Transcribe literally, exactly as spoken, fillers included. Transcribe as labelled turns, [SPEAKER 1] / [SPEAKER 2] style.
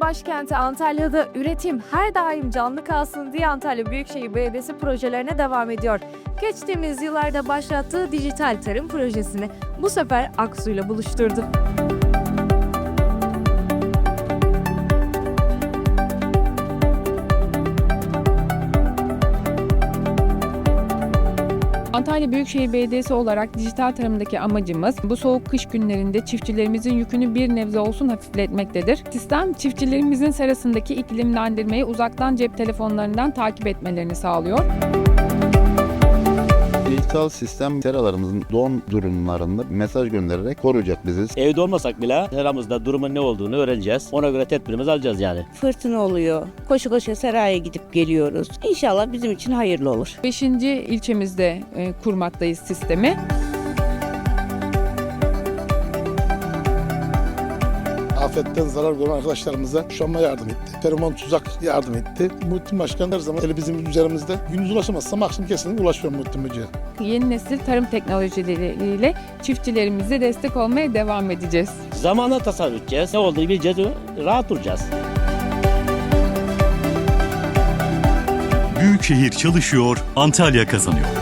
[SPEAKER 1] başkenti Antalya'da üretim her daim canlı kalsın diye Antalya Büyükşehir Belediyesi projelerine devam ediyor. Geçtiğimiz yıllarda başlattığı dijital tarım projesini bu sefer Aksu'yla buluşturdu.
[SPEAKER 2] Antalya Büyükşehir Belediyesi olarak dijital tarımdaki amacımız bu soğuk kış günlerinde çiftçilerimizin yükünü bir nebze olsun hafifletmektedir. Sistem çiftçilerimizin serasındaki iklimlendirmeyi uzaktan cep telefonlarından takip etmelerini sağlıyor.
[SPEAKER 3] Dijital sistem seralarımızın don durumlarında mesaj göndererek koruyacak bizi.
[SPEAKER 4] Evde olmasak bile seramızda durumun ne olduğunu öğreneceğiz. Ona göre tedbirimizi alacağız yani.
[SPEAKER 5] Fırtına oluyor. Koşu koşu seraya gidip geliyoruz. İnşallah bizim için hayırlı olur.
[SPEAKER 2] Beşinci ilçemizde e, kurmaktayız sistemi.
[SPEAKER 6] Afetten zarar gören arkadaşlarımıza kuşanma yardım etti. Feromon tuzak yardım etti. Muhittin Başkan her zaman eli bizim üzerimizde. Gündüz ulaşamazsam akşam kesinlikle ulaşıyorum Muhittin Hoca'ya.
[SPEAKER 2] Yeni nesil tarım teknolojileriyle çiftçilerimize destek olmaya devam edeceğiz.
[SPEAKER 4] Zamanla tasarruf edeceğiz. Ne olduğunu bileceğiz, rahat duracağız.
[SPEAKER 7] Büyükşehir çalışıyor, Antalya kazanıyor.